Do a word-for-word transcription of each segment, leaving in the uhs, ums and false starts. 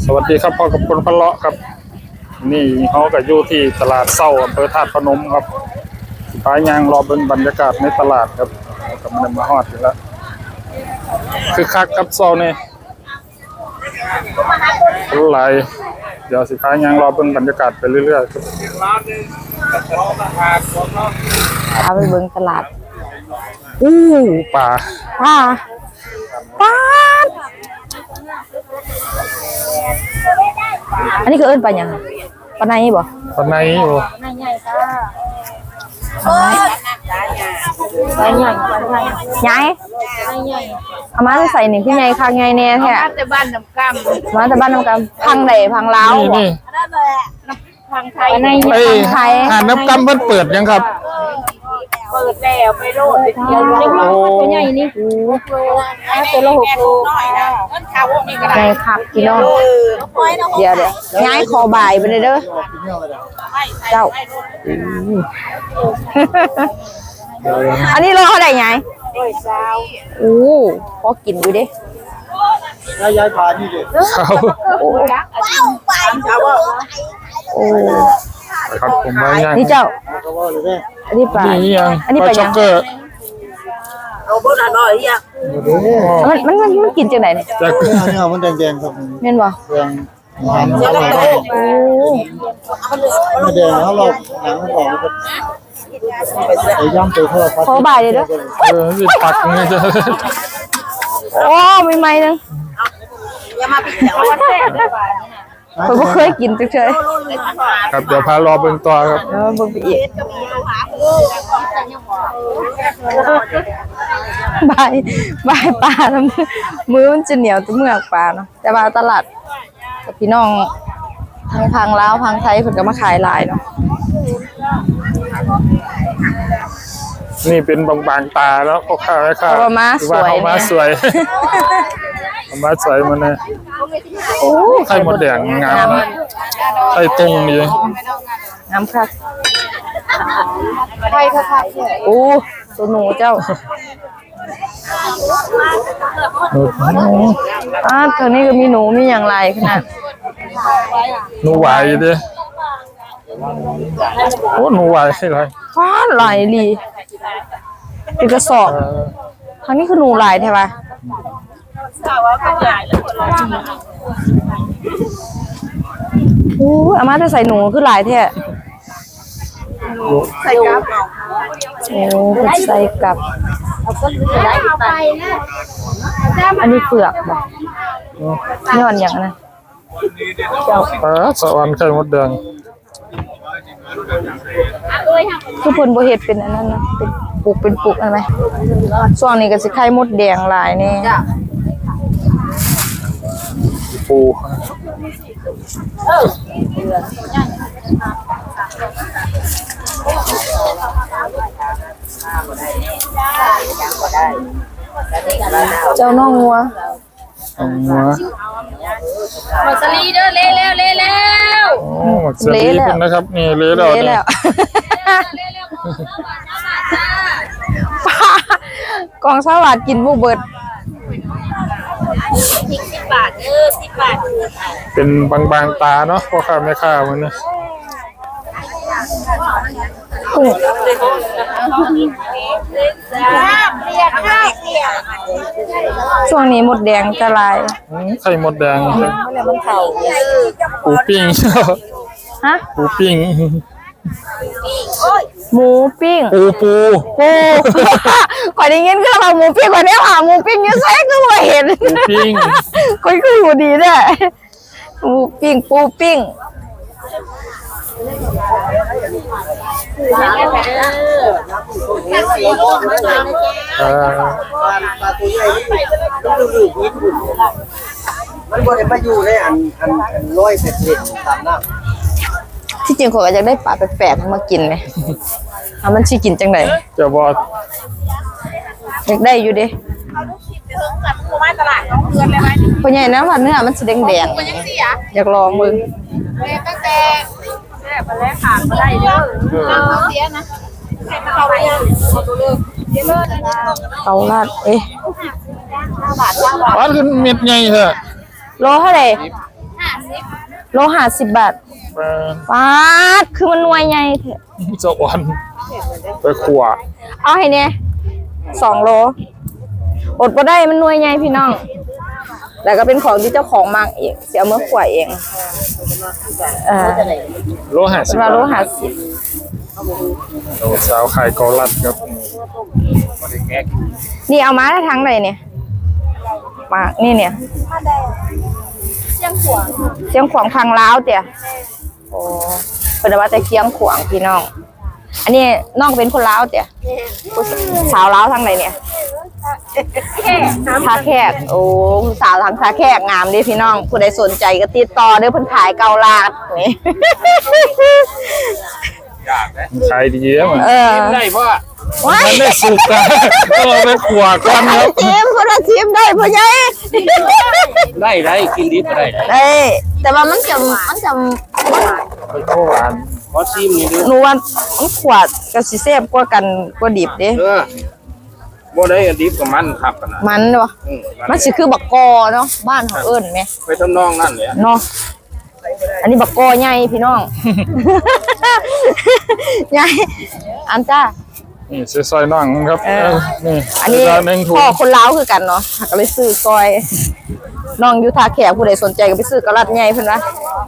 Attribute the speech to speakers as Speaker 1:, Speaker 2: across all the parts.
Speaker 1: วัสดีครับพ่อกับคนพะเลาะครับนี่เขาก็อยู่ที่ตลาดเศร้าอำเภอธาตุพนมครับพายยางรอเป็นบรรยากาศในตลาดครับกำลังมาฮอดอยู่แล้วคือคักครับเศร้านี่คนหลายเดี๋ยวสิพายยางรอเป็นบรรยากาศไปเรื่อยๆครับ
Speaker 2: พาไปเบิ่งตลาด
Speaker 1: อู้ป่า
Speaker 2: ป่าป่าอันนี้คือเอิ้นปลาหยังปลาในบ่
Speaker 1: ปลาในอยู่
Speaker 2: ปลาในใหญ่จ้าปลาใหญ่ปลาใหญ่ใหญ่เอามาใส่นี่พี่ใหญ่คักใหญ่แน่แท้มาแต่บ้านน้ำกำมาแต่บ้านน้ำกำพังใดพังลาวบ่พังไทยพังไทย
Speaker 1: อ่านน้ำกำเพิ่นเปิดยังครับ
Speaker 2: เปิดแล้วไปโลดเดียวเล็กน้อยตัวใหญ่นี่โอ้โหตัวละหกโลใหญ่คักพี่น้องเดี๋ยวเดี๋ยวย้ายคอบ่ายไปเลยเด้อเจ้าอันนี้โลเท่าไหร่ย้ายโอ้พอกินดูดิ
Speaker 3: ย้ายย้ายผ่านนี่ดิ
Speaker 1: โอ้โอ้ครับผมว่าย่าง
Speaker 2: นี่เจ้าอันนี้ปลาอันนี้ปลาช็อกเกอร์เอาเบอร์หน่อยอ่ะมันมันมันกินจังไหนเนี่ย
Speaker 3: จากเนี่ยมันแดงๆครับ
Speaker 2: เม่นบ่
Speaker 3: แดงมันแดงมันแดงแล้วเราหนังมันออกครับไอ้ย่ำไปทอด
Speaker 2: ขอบ่ายเลยเด้อ
Speaker 1: เออสิปักนี่จะ
Speaker 2: โอ้ไม่ไม่นึงอย่ามาปิดแล้วผมก็เคยกินเฉย
Speaker 1: ๆครับเดี๋ยวพารอเบิ่งต่อครับ
Speaker 2: เออเบิ่งไปอีกบายบายปลาแล้วมือมันจะเหนียวตัวเมือกปลาเนาะแต่ว่าตลาดกับพี่น้องทางพังลาวพังไทยเพิ่นก็มาขายหลายเนาะ
Speaker 1: นี่เป็นบางๆตาแล้วพ่อค้าแม่ค้า
Speaker 2: ว่ามาสวย
Speaker 1: มาสวยมาสวยมันนะโอ้ไข่มดแดงงามไข่ตรงนี่
Speaker 2: งามคักไข่คักโอ้ตัวหนูเจ้าอ่าตอนนี้ก็มีหนูมีอย่างไรขนาด
Speaker 1: หนูไหวดิโอ้หนูไหวอะไร
Speaker 2: ฟ้าไหลลีเป็นกระสอบครั้งนี้คือหนูไหลใช่ปะโอ้อาม่าจะใส่หนูคือหลายแท้ใส่กับโอ้ใส่กับอันนี้เปลือกบ่นี่อ่อนอย่างนะ
Speaker 1: เจ้าปลาสวรรค์ไข่มดแดง
Speaker 2: คือผลบ่เฮ็ดเป็นอันนั้นนะเป็นปลูกเป็นปลูกอะไรช่วงนี้ก็สิไข่มดแดงหลายแน่
Speaker 1: ปู
Speaker 2: เจ้าน้องงัว
Speaker 1: งัว
Speaker 4: หมดสลีเด้อเละแล้วเละแล้ว
Speaker 1: โอ้สลีเป็นนะครับนี่เละแล้ว
Speaker 2: แล้วกองสวัสดิ์กินบุเบิด
Speaker 4: สิบบาทเออสิบบาท
Speaker 1: เป็นบางๆตาเนาะพ่อค้าแม่ค้ามันนะ
Speaker 2: ช่วงนี้หมดแดงจะลาย
Speaker 1: ไข่หมดแดงปูปิ้ง
Speaker 2: ฮะ
Speaker 1: ปูปิ้ง
Speaker 2: หมูปิ้ง
Speaker 1: ปูปู
Speaker 2: ปูก่อนได้ยินก็เราหมูปิ้งก่อนได้หาหมูปิ้งยังไงก็ไม่เห็น
Speaker 1: ปูปิ้ง
Speaker 2: ก็คืออยู่ดีแน่หมูปิ้งปูปิ้ง
Speaker 3: ปลาตัวใหญ่มันบ่ได้มาอยู่ในอันอันอันร้อยเศษตามน้ำ
Speaker 2: ที่จริงผมอยากได้ปลาแปลกๆมากินไหมเอามันชี้กินจังไหน
Speaker 1: จะบอก
Speaker 2: อยากได้อยู่ดิพอใหญ่นะว่าเนื้อมันสีแดงแดงอยากลองมึง
Speaker 4: ตั้งแต่แม่ไปแล้วขาดมาได้เยอะเสียนะเขาไป
Speaker 2: เขาลาดเอ๊ะ
Speaker 1: ปลาขึ้นเม็ดใหญ่เถอะ
Speaker 2: โลเท่าไหร่
Speaker 4: ห
Speaker 2: โลห้าสิบบาท
Speaker 1: แม่น
Speaker 2: ปาดคือมันหน่วยใหญ่เถอะ
Speaker 1: เจ้าอ่อนไปขัว
Speaker 2: เอาให้เนี่ยสองโลอดบ่ได้มันหน่วยใหญ่พี่น้องแล้วก็เป็นของที่เจ้าของมักเองเสียเมื่อขวายเองเออ
Speaker 1: โลห้าสิ
Speaker 2: เป็
Speaker 1: บ
Speaker 2: นว่า
Speaker 1: บาท
Speaker 2: โลห้าสิบ
Speaker 1: โอ้สาวขายเกาลัดครับ
Speaker 2: นี่เอามาได้ทั้งเลยเนี่ยมานี่เนี่ยเชียงขวางเชียงขวางทางลาวเตี่ยโอ้เป็นว่าแต่เชียงขวางพี่น้องอันนี้น้องเป็นคนลาวเตี่ยสาวลาวทางไหนเนี่ยท่าแขกโอ้สาวทางท่าแขกงามดิพี่น้องผู้ใดสนใจก็ติดต่อเด้อเพิ่นขายเกาลาดนี่
Speaker 1: ขายดีแล้วมัน
Speaker 2: เออ
Speaker 3: ได้พ่อ
Speaker 2: ว้าย
Speaker 1: มันได้สุกอะก็ไปขัวก่อนครับ
Speaker 2: ทีมคนละทีมได้พ่อใหญ่
Speaker 3: ได้ได้กินดิบก็ได้
Speaker 2: ได้แต่ว่ามันจะมันจะ
Speaker 1: ไปโคหวาน
Speaker 3: ขอชิมนี่ดู
Speaker 2: หนูว่ามันขวดกับสิเซฟกว่ากันกว่าดิบเด้
Speaker 3: เออบ่ได้ดิบกับมันครับนะ
Speaker 2: มันวะ
Speaker 3: อืม
Speaker 2: มันสิคือบักกอเนาะบ้านเขาเอิ้นไหม
Speaker 3: ไปทำนองนั่นเลย
Speaker 2: เนาะอันนี้บักกอใหญ่พี่น้อง ใหญ่อันจ้า
Speaker 1: นี่ซื้อซอยน่องครับ
Speaker 2: เออ
Speaker 1: นี่
Speaker 2: อันนี้
Speaker 1: จานหนึ่งถุง
Speaker 2: พ่อคนลาวคือกันเนาะก็เลยซื้อซอยน้องอยู่ท่าแขกผู้ใดสนใจก็ไปซื้อกระลัดใหญ่เพิ่นว่า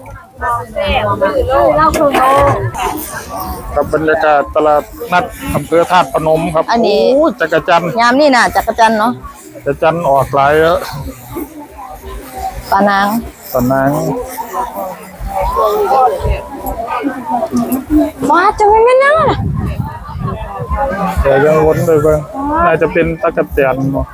Speaker 1: กับบรรยากาศตลาดนัดอำเภอธาตุพนมครับ
Speaker 2: อันนี้
Speaker 1: โอ้ยจักรจันทร์
Speaker 2: ยามนี่น่ะจักรจันทร์เนาะ
Speaker 1: จักรจันทร์ออกหลายแล้ว
Speaker 2: ปลานาง
Speaker 1: ตอนนั้น
Speaker 2: ว้าจะไม่แม่นยังล่ะ
Speaker 1: แต่ยังวนไปเบิ่งน่าจะเป็นตะกะแตนเนาะ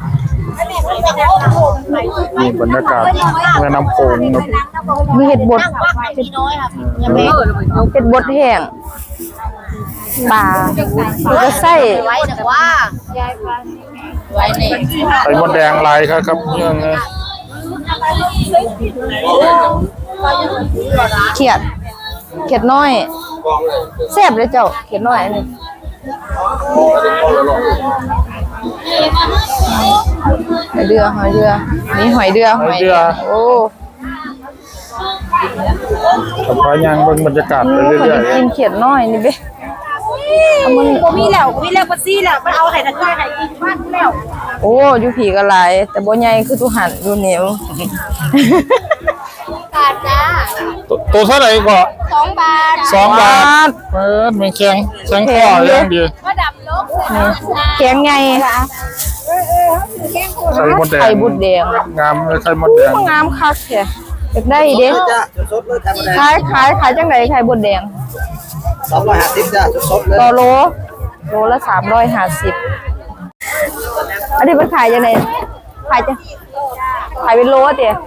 Speaker 1: นี่บรรยากาศแม่น้ำโขงครับ
Speaker 2: มีเห็ดบด
Speaker 4: น้อยครับ
Speaker 2: เห็ดบดแห้งปลาแล้วก็ไส้
Speaker 4: ไว้แต่ว่าไว้ใน
Speaker 1: ไข่มดแดงลายครับครับยังไง
Speaker 2: เขียดเขียดน้อยแซ่บเลยเจ้าเขียดน้อยอันนี้หอยเดือหอยเดือนี่หอยเดือหอยเดือโอ้
Speaker 1: กับพายังเบิ่งบรรยากาศไป
Speaker 2: พอ
Speaker 1: เรื่อย
Speaker 2: ดีกินเขียดน้อยนี่เบ้เอามัน
Speaker 4: ผมมีแล้วมีแล้วปัสซี่แล้วมันเอาไข่ตะไคร้ไข่กินบ้านแล้ว
Speaker 2: โอ้อยู่ผีก็หลายแต่บ่ใหญ่คือตุหันอยู่เหนียว
Speaker 4: บาทจ้า
Speaker 1: ๆตัวตัวเท่าไหร่ก็
Speaker 4: สองบาท
Speaker 1: สองบาทเปิดมันแข็งแข็งคออย่างดี
Speaker 4: ก็ดับลบ
Speaker 2: แกงไง
Speaker 1: ไข่มดแดง
Speaker 2: ไข่บุดแดง
Speaker 1: งามเลยไข่มดแดง
Speaker 2: งามคักแท้อยากได้เด้
Speaker 3: จ้าสดๆเลยธรรมดา
Speaker 2: ขายขายขายจังไดไข่บุดแดง
Speaker 3: สองร้อยห้าสิบจ้าสดๆเลย
Speaker 2: ต่อโลโลละสามร้อยห้าสิบอันนี้มันขายยังไงขายจะขายเป็นโลเตี๋ย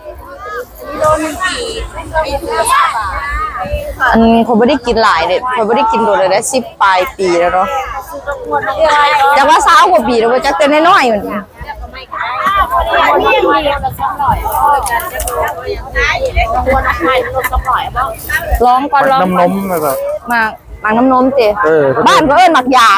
Speaker 2: อันผมไม่ได้กินหลายเลยผมไม่ได้กินโดนเลยได้สิบปลายปีแล้วเนาะจากว่าสาวกว่าปีแล้วว่าจะเต้นน้อยๆอยู่นี่ลองก่อนลอง
Speaker 1: น้ำนมนะครับ
Speaker 2: หมากหมากน้ำนมเตี๋ย
Speaker 1: เออ
Speaker 2: บ้านก็เอิ้นหมักยาง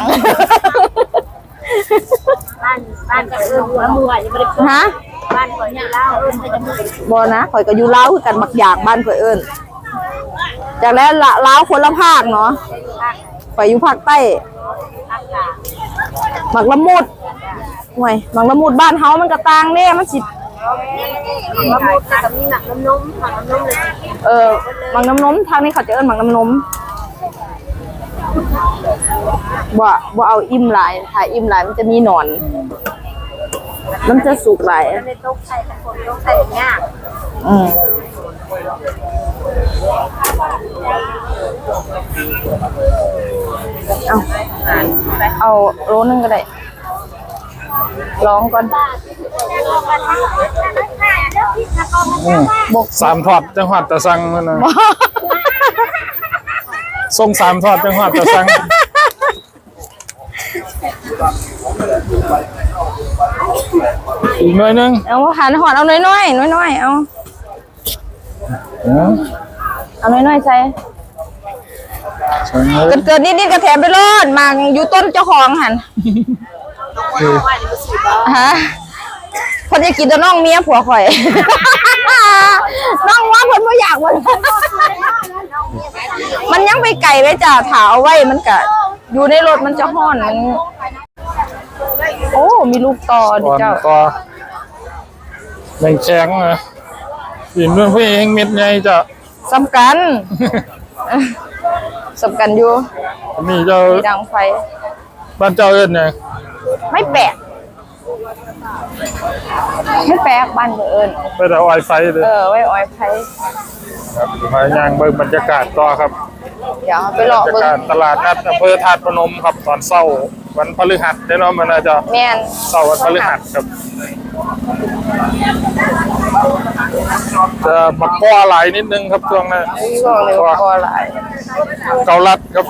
Speaker 4: บ้านบ้านก็เออหัวมือยังไม่ได้
Speaker 2: ฮะ
Speaker 4: บ้านคนเนี่ยเล่าเออจะมือ
Speaker 2: บ่นะข่อยก็อยู่ลาวคือกันหมักยางบ้านข่อยเอิ้นจากแล้วละลาวคนละภาคเนาะข่อยอยู่ภาคใต้หมักละมุดห่วยหมักละมุดบ้านเฮามันก็ต่างเด้มันสิ
Speaker 4: มะม่วงกับมีหนักน้ำนมหนักน้ำนมเลย
Speaker 2: เออหมักน้ำนมทางนี้เขาจะเอิ้นหมักน้ำนมบ่บ่เอาอิ่มหลายถ้าอิ่มหลายมันจะมีหนอน มันจะสุกหลาย
Speaker 4: ในโต๊ะใส่ตะโกนโต๊ะใส่เนี่ย
Speaker 2: อืมเอาเอาโลนึงก็ได้ลองก่อน
Speaker 1: อืม
Speaker 2: บก
Speaker 1: สามทอดจังหวัดตะสังนั่นนะส่งสามทอดจังหวัดตะสัง อีกหน่อยหนึง
Speaker 2: เอาหันหอดเอาน้อยๆน้อยๆเอา
Speaker 1: เออ
Speaker 2: เอาน้อยๆใส่
Speaker 1: ใช่ไหม
Speaker 2: เกิดเกิดนิดๆกระแถมไปรอดมาอยู่ต้นเจ้าของหัน
Speaker 1: คือ
Speaker 2: ฮะคนจะกินตัวน้องเมียผัวข่อยน้องว่าเพิ่นบ่อยากมัน มันยังไปไกลไว้จ้าถาเอาไว้มันก็อยู่ในรถมันจะห้อนมันโอ้มีลูกต่อดิ
Speaker 1: ก่อน
Speaker 2: เจ้า
Speaker 1: ก็แมงแข็งนะกินเรื่องพี่เองเม็ดใหญ่จะ
Speaker 2: สำคัญ สำคัญอยู่
Speaker 1: มีเจ้า
Speaker 2: มีดังไฟ
Speaker 1: บ้านเจ้าเอิ้นไง
Speaker 2: ไม่แปลกไม่แปลกบ้านเอิญ
Speaker 1: ไปแต่ไวไฟเลย
Speaker 2: เออไว้ออยไฟ
Speaker 1: ครับมาย่างเบิ่งบรรยากาศต่อครับ
Speaker 2: เดี๋ยวไปรอบ
Speaker 1: รรยา
Speaker 2: เบิ่ง
Speaker 1: กาศตลาดนัดอำเภอธาตุพนมครับตอนเช้าวันพฤหัสได้เนาะมันน่าจะ
Speaker 2: แม่น
Speaker 1: เช้าวันพฤหัสครับจะมาก้อหลายนิดนึงครับช่วงนั้น
Speaker 2: ช่วงนี้ก็หลาย
Speaker 1: เกาลัดครับ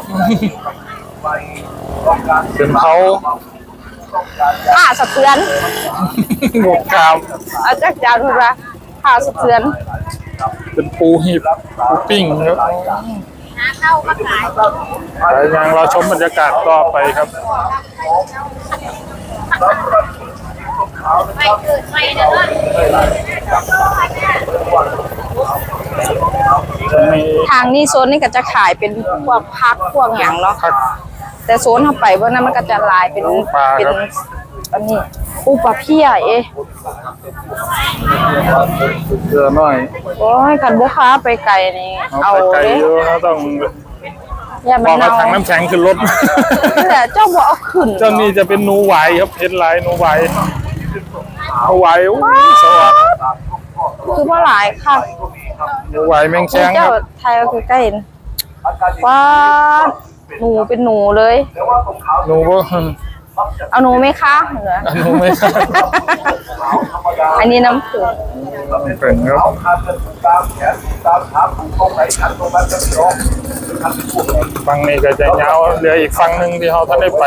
Speaker 1: เป็นเขา
Speaker 2: ผ้าสะเทือน
Speaker 1: หมวกกาม
Speaker 2: เอาจักจานพูดว่าผ้าสะเทือน
Speaker 1: เป็นปูหีบปูปิ้งครับ
Speaker 4: เข้ามาขาย
Speaker 1: แต่ยังเราชมบรรยากาศต่อไปครับ
Speaker 4: ไปเกิดไปเด้อ
Speaker 1: จะมี
Speaker 2: ทางนี้โซนนี้ก็จะขายเป็นพวกพักพวกหยังเนาะ
Speaker 1: ผัก
Speaker 2: แต่โซนเข้าไปเพราะนั้นมันก็จะลายเป็น
Speaker 1: ปลา
Speaker 2: เป็น
Speaker 1: ครับ
Speaker 2: อันนี้ปูปลาเพี้ยเอ๊ะ
Speaker 1: เยอะหน่อย
Speaker 2: โอ้ยคันบ่ค้าไปไกลนี่
Speaker 1: เอา
Speaker 2: เอา
Speaker 1: ไปไกล
Speaker 2: เด้
Speaker 1: เยอะนะต้อง
Speaker 2: อย่า
Speaker 1: บ
Speaker 2: มั
Speaker 1: อน กว่า
Speaker 2: เน่า
Speaker 1: ถังน้ำแข็งขึ้นรถ
Speaker 2: นี่แหละเจ้าบ่เอาขึ้น
Speaker 1: เจ้านี่จะเป็นหนูไหวครับเพชรลายหนูไหวหนูไหวอุ้ยสวัสด
Speaker 2: คือว่าหลายค่ะ
Speaker 1: หนูไหวแมงแข้งค
Speaker 2: เจ้า
Speaker 1: รับ
Speaker 2: ไทยก็คือใกล้เห็นว้าหนูเป็นหนูเลย
Speaker 1: หนูบ่
Speaker 2: เอาหนูไหมคะเหรอ
Speaker 1: หนูไม่ครับ
Speaker 2: อันนี้น้ำผึ้ง
Speaker 1: เป็นครับฝั่งนี้ก็จะยาวเหลืออีกฝั่งหนึ่งที่เขาท่านได้ไป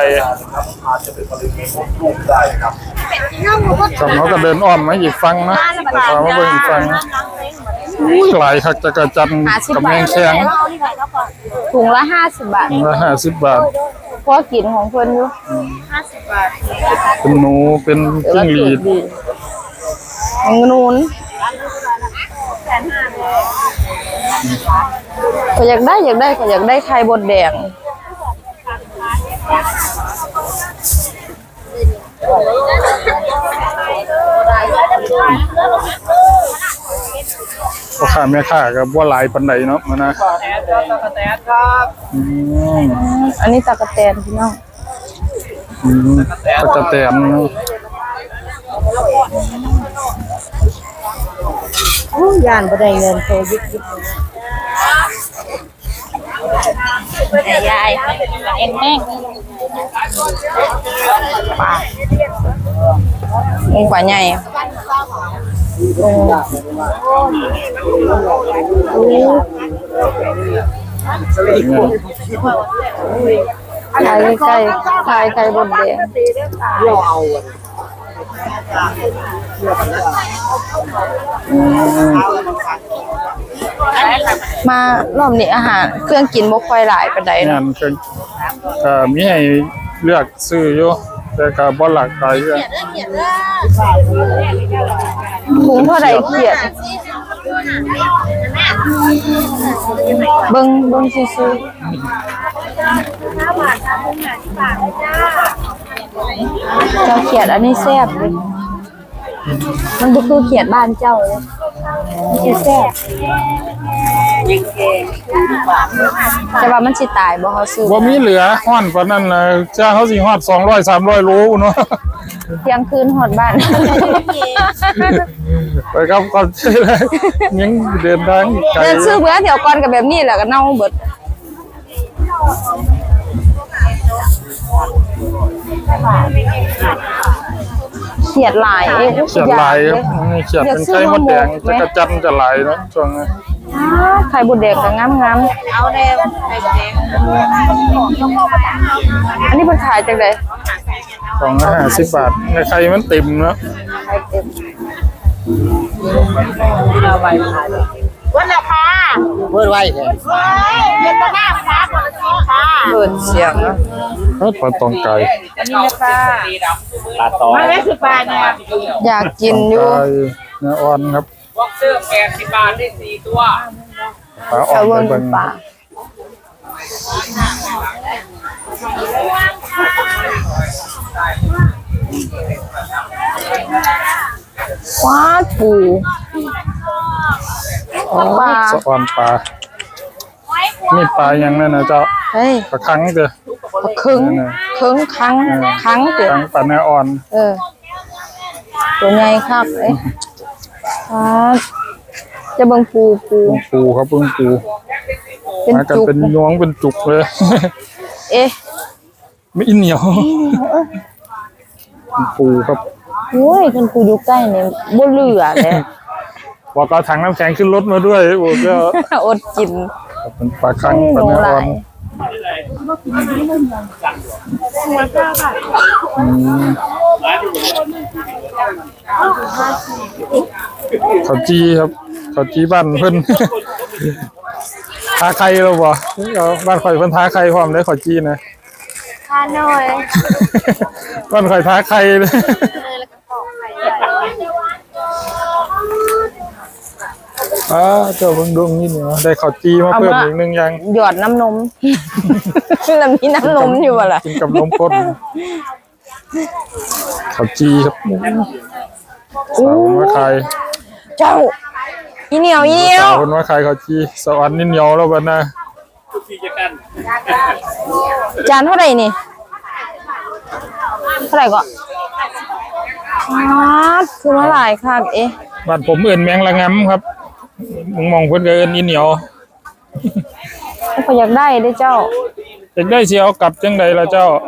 Speaker 1: กับเขาก็เดินอ้อมมาอีกฝั่งนะพามาเบิ่งอีกฝั่งอุ้ยหลายคักจะกระจันกับแมงแข้ง
Speaker 2: ถุงละห้าสิบบาท
Speaker 1: ละห้าสิบบาท
Speaker 2: พวกกินของเพิ่นอยู่
Speaker 1: เป็นหนูเป็นจิ้งหรีด
Speaker 2: ของนูนก็อยากได้อยากได้ก็อยากได้ไข่บดแดง
Speaker 1: พ่อค้าแม่ค้าก็บ่หลายปานใดเนาะมันนะอืม
Speaker 2: อันนี้ตะกะแตนพี่น้อง
Speaker 1: อืมตะกะแตนเนาะ
Speaker 2: โอ้ยานบ่ได้เงินโตยิบยิบยายเอ็นแม่งปลาปลาใหญ่ถ่ายไก่ถ่ายไก่บดแดงมารอบนี้อาหารเครื่องกินบ่ค่อยหลายปานใด
Speaker 1: งา
Speaker 2: เนาะ
Speaker 1: นก็ก็มีให้เลือกซื้ออยู่แต่ก็บ่หลากหลายเรื่อง
Speaker 2: ถุงเท่าใดเขียดเบิ่งเบิ่งซื่อๆเจ้าเขียดอันนี้แซ่บเลยมันบ่คือเขียดบ้านเจ้าเลยมันสิแซ่บแต่ว่ามันสิตายบ่เฮาซื้อ
Speaker 1: บ่มีเหลือฮ้อนปานนั้นน่ะจ้างเขาสิฮอดสองร้อย สามร้อยโลเนาะ
Speaker 2: เที่ยงคืนฮอดบ้าน
Speaker 1: ไปครับก่อนสิเลยยังเดินทางอีกไกล
Speaker 2: เดินซื้อเบื่อเดี๋ยวก่อนก็แบบนี้แหละก็เน่าเบิดเขียดหลายเอ้ย
Speaker 1: เขียดลายครับนี่เขียดเป็นไข่มดแดงจะกระจันจะหลายเนาะช่วงนี้
Speaker 2: ไข่บุดแดงก็งามๆเอาแดงไข่บุดแดงอันนี้เพิ่นขายจังได๋
Speaker 1: สองร้อยห้าสิบบาทในไข่มันเต็มเนาะ
Speaker 2: ไข่เต็ม
Speaker 4: วันละค่ะ
Speaker 3: เปิดไว้แท้
Speaker 4: เฮ้ยเย็นตะหน้าค่ะคนละทีค่ะ
Speaker 2: เปิดเสียงเนาะ
Speaker 1: เอ้ยปลาตองไก่
Speaker 2: อันนี้นะคะ
Speaker 3: ปลาตอง
Speaker 4: ไม่ไม่คือปลาเนี่ย
Speaker 2: อยากกินอยู่
Speaker 1: ไก่เนื้ออ่อนครับ
Speaker 5: บ็อกเซอร์แปดสิบบาทได้สี่ตัว
Speaker 1: ปลาอ่อ
Speaker 2: เอา
Speaker 1: น
Speaker 2: เบิ่
Speaker 1: ไป
Speaker 2: ง
Speaker 1: เบิ่ง
Speaker 2: ปลาว้าปูปลา
Speaker 1: สะออนปลานี่ปลาอย่างนั้นนะเจ้า
Speaker 2: เฮ้ย
Speaker 1: ปลาคังเด้อ
Speaker 2: ปลาคึงคึงคังคังเดี๋ยว
Speaker 1: คังปลาเนื้ออ่อน
Speaker 2: เออตัวใหญ่ครับเอ้ยว้าจะเบิ่งปูปู
Speaker 1: ปูครับเพิ่งปู
Speaker 2: เป็น
Speaker 1: มากัน
Speaker 2: จุก
Speaker 1: เป็นยวงเป็นจุกเลย
Speaker 2: เอ๊ะ
Speaker 1: ไม่อินเหนียวปูครับ
Speaker 2: โอ้ยคันปูอยู่ใกล้เนี่ยบ่เหลือเลย
Speaker 1: บอกเอาถังน้ำแข็งขึ้นรถมาด้วยโอ้ก็
Speaker 2: อดกิน
Speaker 1: เป็นปลาคัง
Speaker 2: นี่
Speaker 1: ปลา
Speaker 2: หนู
Speaker 1: เนื้อ
Speaker 2: ห
Speaker 1: อ่
Speaker 2: ลา
Speaker 1: อน
Speaker 2: ย
Speaker 1: อืมข้าวจีครับข้าวจีบ้านเพิ่น ทาไข่เราบ่เอาบ้านข่อยเพิ่นทาไข่พร้อมได้ข้าวจีนะ
Speaker 2: ทานหน่อย
Speaker 1: บ้านข่อยทาไข่เลยอ่าเจ้าเบิ่งดวงนี่เนาะได้ข้าวจีมาเพิ่มอีกหนึงอย่าง
Speaker 2: หยอดน้ำนม แล้วมีน้ำนมอยู่บ่ล่ะ
Speaker 1: กินกับนมข้นข้าวจีครับสาวมาขาย
Speaker 2: เจ้าอีเหนียวอีเหนียว
Speaker 1: สาวมาขายข้าวจีสวรรค์นี่เหนียวแล้วบัดน่ะ
Speaker 2: จานเท่าไหร่นี่เท่าไหร่ก็อ๋อคือมาหลายค่ะเอ๊ะ
Speaker 1: บ้านผมเอิ้นแมงละงำครับมึงมองเพิ่นก็เอิ้นอีเหนียว
Speaker 2: เขาอยากได้ได้เจ้า
Speaker 1: อยากได้สิเอากลับจังไดล่ะเจ้า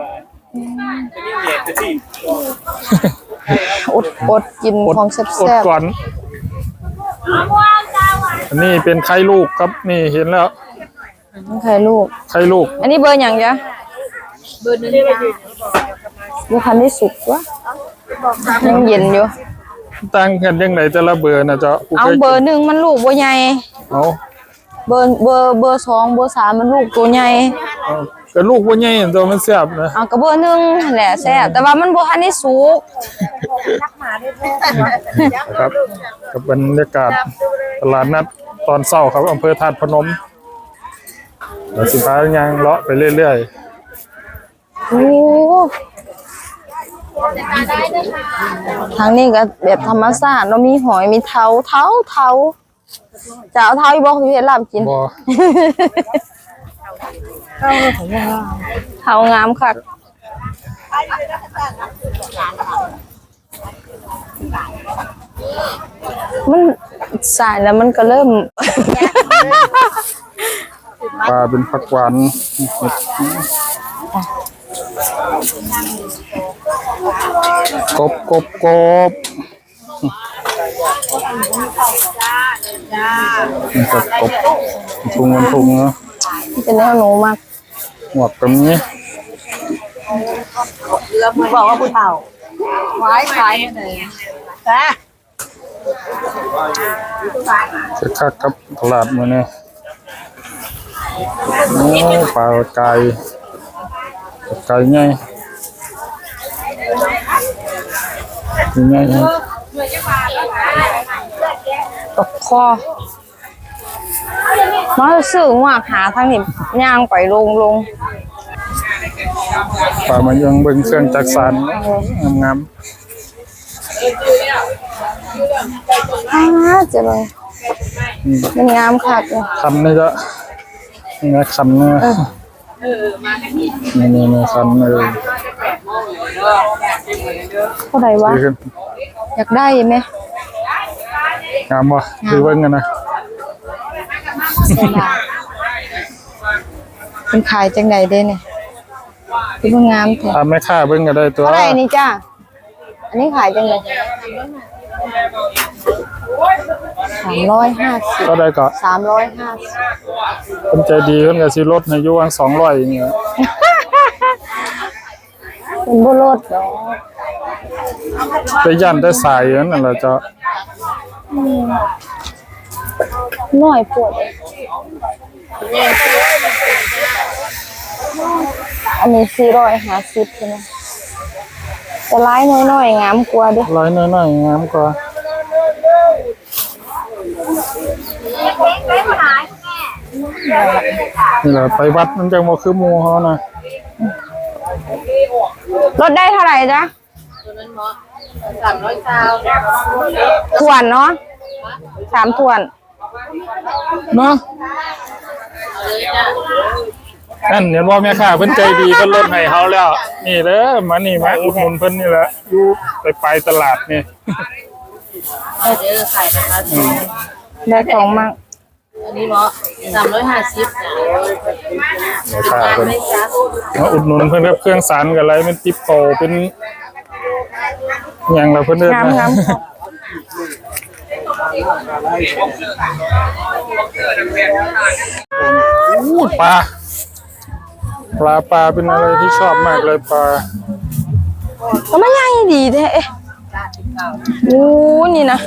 Speaker 2: อดอดกิน
Speaker 1: อด
Speaker 2: ของแซ่
Speaker 1: อด
Speaker 2: บ
Speaker 1: ก่อนอันนี้เป็นไข่ลูกครับนี่เห็นแล้ว
Speaker 2: ๆไข่ลูก
Speaker 1: ไข่ลูก
Speaker 2: อันนี้เบอร์อย่างจ๊ะเบอร์หนึ่งเบอร์คันที่สุกวะยังเย็นอยู่
Speaker 1: ตั้งกันยังไงแต่ละเบอร์นะเจ้า
Speaker 2: เอาเบอร์หนึ่งมันลูกบ่ใหญ่
Speaker 1: เอา
Speaker 2: เบอร์เบอร์เบอร์สองเบอร์สามมันลูกตัวใหญ่
Speaker 1: เอาก็ลูกบ่ใหญ่ตัวมันแซ่บนะ
Speaker 2: เอากระเบอร์หนึ่งนั่นแหละแซ่บแต่ว่ามันบ่ทันได้สุก
Speaker 1: ครับกับบรรยากาศตลาดนัดตอนเช้าครับอำเภอธาตุพนมเดี๋ยวสิพาย่างเลาะไปเรื่อย
Speaker 2: โอ้ทางนี้ก็แบบธรรมชาติเนาะมีหอยมีเท้าเท้าเท้าจะเอาเท้าอีบอกอยู่เฮ็ดลาบกิน
Speaker 1: ๆบ่
Speaker 2: เท้างามคักมันสายแล้วมันก็เริ่ม
Speaker 1: ปลาเป็นผักหวานกบกบกบนี่ครับกบทุงมันทุงเนาะ
Speaker 2: เป็นแนวหนูมาก
Speaker 1: หมวกตรงนี้
Speaker 2: บอกว่าผู้เฒ่าไว้ขายเลยฮะ
Speaker 1: จะคักครับตลาดมื้อนี้โอ้ปลาไก่ไก่ใหญ่ใหญ่
Speaker 2: ตกคอมาซื้อว่าหาทางนี้ย่างไปลงลง
Speaker 1: ปลามายังเบิ่งเครื่องจักสานงาม
Speaker 2: อ่าเจะเลยมันงามคักเลย
Speaker 1: ๆคันนี่จะนี่นะคันนี่นี่นี่นี่คันเออ
Speaker 2: เท่าไหร่วะ
Speaker 1: ดีขึ้น
Speaker 2: อยากได้ไหม
Speaker 1: งามบ่คือเบิ่งกันนะ
Speaker 2: เสียดายเป็นขายจังใดเด้เนี่ยคือมันงามแท้
Speaker 1: ถ้าไม่ค่าเบิ่งก็ได้ตัว
Speaker 2: เท่าไหร่นี่จ้าอันนี้ขายจังเลยสามร้อยห้าสิบ
Speaker 1: ก็ได้ก็
Speaker 2: สามร้อยห้าสิบ
Speaker 1: เพิ่นใจดีเพิ่นก็สิลดให้อยู่วางสองร้อยอย่างเงี้ย
Speaker 2: เป็นบุรถเนาะ
Speaker 1: ไปย่านได้สายนั่นแหละเจ้า
Speaker 2: หน่อยปวดเลยอันนี้สี่ร้อยห้าสิบใช่ไหมแต่ร้ายน้อยๆงามกว่าเด้
Speaker 1: ร้อยน้อยๆงามกว่านี่แหละไปวัดมันจังบ่คือหมู่เฮานะ
Speaker 2: ลดได้เท่าไหร่จ๊ะ
Speaker 4: สามร้อยเก้า
Speaker 2: ถ่วนเนาะสามถ่วน
Speaker 1: เนาะนั่นเห็นว่าแม่ค้าเพิ่นใจดีเพิ่นลดให้เฮาแล้ว นี่เด้อมานี่มาอุดหนุนเพิ่นนี่แหละอยู่ไปไปตลาดนี่
Speaker 4: เดี๋ยวขายนะคะ
Speaker 2: ได้ของมาก
Speaker 4: อันนี้เนาะสามร้อยห้าสิบ
Speaker 1: แม่ค้าเพิ่นมาอุดหนุนเพิ่นกับเครื่องสารกับอะไรเป็นติ๊บโตเป็นหยังล่ะเพิ่นเอิ้น
Speaker 2: งาม
Speaker 1: นะ
Speaker 2: งาม
Speaker 1: อู้ปลาปลาปลาเป็นอะไรที่ชอบมากเลยปลา
Speaker 2: ก็ไม่ใหญ่ดีแท้โอ้นี่นะ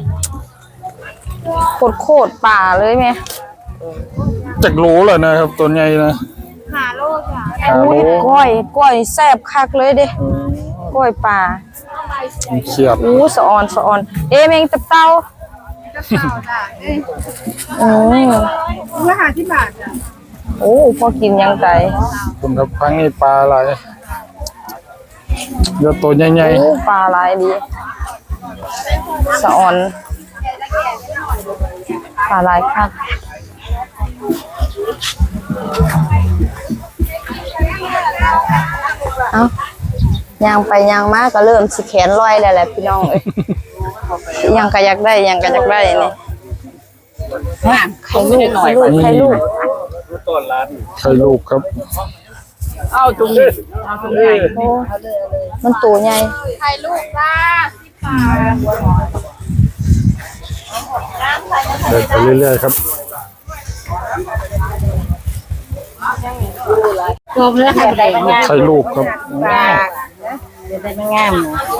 Speaker 2: โคตรโคตรป่าเลยแม่
Speaker 1: จักโลเลยนะครับตัวใหญ่นะหาโลจ้ะหาโล
Speaker 2: ก้อยก้อยแซ่บคักเลยเด้ก้อยป่า
Speaker 1: เขียด
Speaker 2: อู้สะออนสะออน เอ๊ะแมงตับเต่าอืม
Speaker 4: ราคาที่บาทจ้ะ
Speaker 2: โอ้พอกินยังไง
Speaker 1: คุณครับพังนี่ปลาอะไรเดี๋ยวตัวใหญ่
Speaker 2: โอ้ปลาหลายดีสะออนปลาหลายคักเอ้ายางไปยางมาก็เริ่มสิแขนลอยแล้วแหละพี่น้องเอ้ยยังก็อยากได้ยังก็อยากได้นี่ไข่ลูกไข่ลูกไข่ลูก
Speaker 1: ๆไข่ลูกครับ
Speaker 4: เอาตรงนี้เอาตรงนี้
Speaker 2: โอ้มันตัวใหญ่
Speaker 4: ถ่ายรูปจ้า
Speaker 1: เดินไปเรื่อยๆครับ
Speaker 4: ตัวเพื่อใครได้บ้าง
Speaker 1: ไข่ลูกครับ
Speaker 4: จะได้ไม่งาม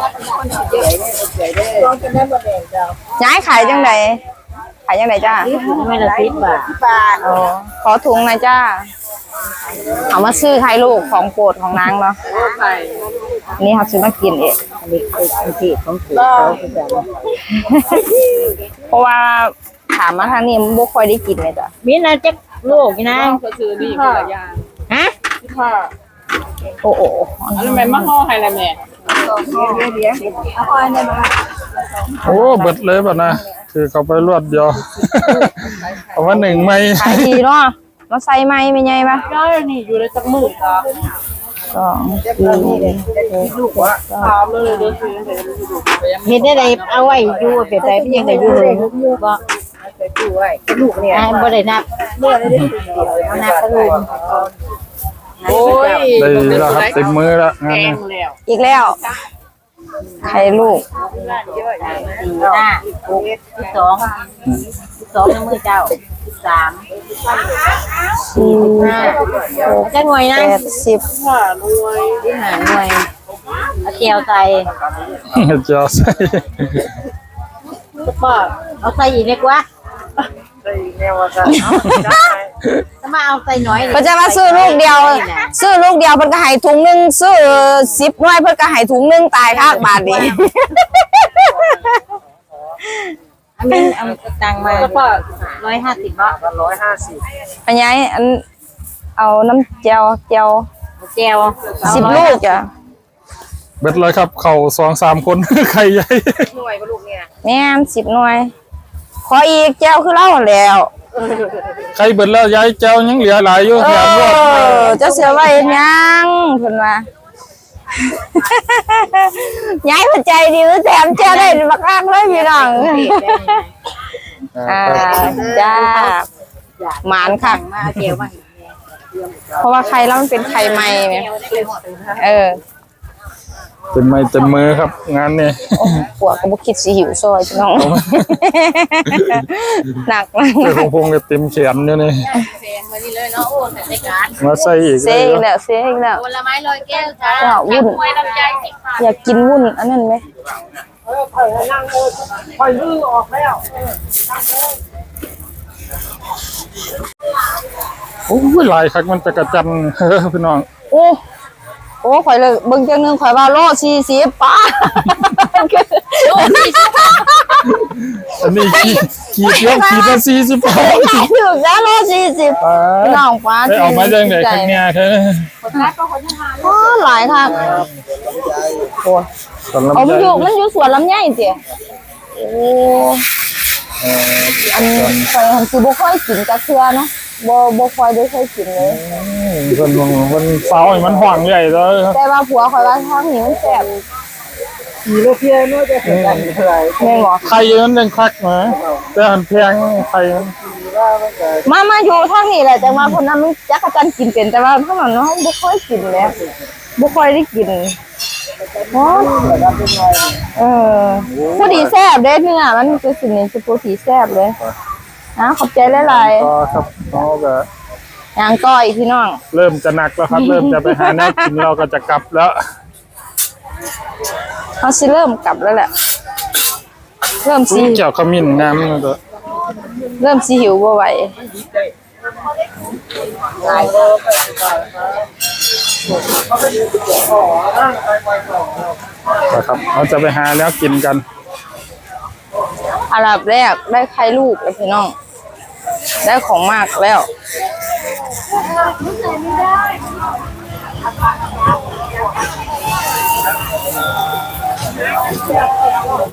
Speaker 2: ย้ายขายจังไดขายจังไดจ้า
Speaker 4: ไม่ละสิบบาทบาท
Speaker 2: อ๋อขอถุงหน่อยจ้าเอามาซื้อไข่ลูกของโปรดของนางเนาะ
Speaker 4: ไป
Speaker 2: นี่เขาซื้อมากินเอง
Speaker 4: เด็กไอ้ที่ของถือเขาคือแบบ
Speaker 2: เพราะว่าถามมาทางนี้มันบ่ค่อยได้กินเลยจ้ะ
Speaker 4: มีนะจ๊กลูกนะก็คือนี่คนละอย่างฮะ
Speaker 2: โอ้โห
Speaker 4: อันนั้นแม่มาห่อให้ละแม่
Speaker 1: โอ้เบิดเลยป่ะนะคือเขาไปรวดเดียว เอามาหนึ่งไม่
Speaker 2: ขายดีเนาะมาใส่ไม้ไม่ใหญ่ปะ
Speaker 4: ได้นี่อยู่ในจักมือก็
Speaker 2: สองสี่
Speaker 4: ถามเลยเด้อคือเฮ็ดได้ไดเอาไว้อยู่แบบใดเป็นยังไงอยู่เลยบ่ลูกเนี่ยบ่ได้นับเมื่อได้เดียวนับก็เลยโอ้ย
Speaker 1: ได้แล้วครับเต็มมือแล้วงานนี้
Speaker 4: แล้ว
Speaker 2: อีกแล้วไข่ลูก
Speaker 4: สี่ห้าหกสิบสองสิบสองในมือเจ้าสิบสาม
Speaker 2: สี่
Speaker 4: ห้าจะหน่วยนะ
Speaker 2: แปดสิบ
Speaker 4: ที่หาหน่วยเอาเจียวใส่
Speaker 1: เจ้าใส่
Speaker 4: ก็เอาใส่อีกเล็กวะถ้ามาเอาใส่น้อย
Speaker 2: เพิ่นจะมาซื้อลูกเดียว ซื้อลูกเดียวเพิ่นก็ให้ถุงหนึงซื้อสิบหน่วยเพิ่นก็ให้ถุงหนึงตายคากบาทนี้
Speaker 4: อันนี้เอาตังมาร้อยห้าสิบบาทร้อยห้าสิบ
Speaker 2: อันยายอันเอาน้ำเจียวเจียว
Speaker 4: เจียว
Speaker 2: สิบลูกจ้ะ
Speaker 1: เบิดเลยครับเข่าสองสามคน ไข่ใหญ่
Speaker 4: หน่วยก็ลูกเนี่ย
Speaker 2: แม่นสิบหน่วย ขออีกเจียวคือเล่าแล้ว
Speaker 1: ไข่เบิดแล้วยายเจ้ายังเหลือหลายอยู่
Speaker 2: เอ
Speaker 1: แถมรวด
Speaker 2: อเจะเสือไว้เฮ็ดหยังเพิ่นว่า ยายเพิ่นใจดีแถมเจียวได้บักอักเลยพี่น้องอ่าจ้าหมานค่ะ
Speaker 4: มาเจียวมา
Speaker 2: เพราะว่าไข่แล้วมันเป็นไข่ใหม่แม่เออ
Speaker 1: เต็มไม้เต็มมือครับ งานนี้
Speaker 2: โอ้ปวดก็บ่คิดสิหิวซอยพี่น้องหนักมาก
Speaker 1: เจ้าของพงจะเต็มแขนอยู่นี่
Speaker 4: แพงมานี่เลยเนาะโอ้แต่ในการ
Speaker 1: มาใส่อีก
Speaker 2: เซ่อีกแล้วเซ่อีกแล้ว
Speaker 4: ผลไม้ลอยแก้วจ้า
Speaker 2: ว้าววุ่น
Speaker 4: มวยลำไยสิบบาท
Speaker 2: อยากกินวุ้นอันนั้นไหม
Speaker 1: โอ้ยหลายคักมันจะกระจัน พี่น้อง
Speaker 2: โอ้โอ้ข่อยเลยเบิ่งจังหนึงข่อยว่าโลสี่สิบป้า
Speaker 4: โลสี่สิบ
Speaker 1: อันนี้ขีดขีดยกขีดละสี่สิบ
Speaker 2: ขายถึงแล้วโลสี่สิบน้องฟ้า
Speaker 1: ได้ออกมาจากไหนข้างเนี่ยเธอ
Speaker 2: โอ้หลายค่ะโอ้
Speaker 1: ตอนลำ
Speaker 2: เอามัน
Speaker 1: ไย
Speaker 2: อยู่มันอยู่สวนลำไยเจี๋ยโอ้อันเคยหันคือบ่ค่อยกินกระเทือเนาะบ่บ่ค่อยได้เคยกินเลย
Speaker 1: คนมองมันเฝ้าให้มันห่วงใหญ่เลย
Speaker 2: แต่ว่าผัวคอยว่าทางนี้มันแซ่บ
Speaker 3: ขี่รถเพียรน่าจะเกิดกันเท่าไหร่
Speaker 2: แม่นบ่
Speaker 1: ไข่มันยังคักนะแต่หันแพงไข่มัน
Speaker 2: มามาอยู่ทางนี้แหละแต่ว่าคนนั้นมันจักรจันทร์กินเป็นแต่ว่าทางนั้นเนาะบ่ค่อยกินแหละบ่ค่อยได้กินโอ้เออผู้ดีแซ่บเด้เนื้อมันคือสินี่คือผู้ดีแซ่บเลยนะขอบใจหลาย
Speaker 1: ก็ครับเขาก็
Speaker 2: ๆย่างก้อยพี่น้อง
Speaker 1: เริ่มจะหนักแล้วครับ เริ่มจะไปหาแนวกินเราก็จะกลับแล้ว
Speaker 2: เขาสิเริ่มกลับแล้วแหละ เริ่มสิ
Speaker 1: เกี่ยวขมิ้นงามเลยตัว
Speaker 2: เริ่มสิหิวบ่ไหว
Speaker 1: นะครับเราจะไปหาแนวกินกัน
Speaker 2: อันดับแรกได้ไข่ลูกเลยพี่น้อง ได้ของมากแล้ว
Speaker 1: เ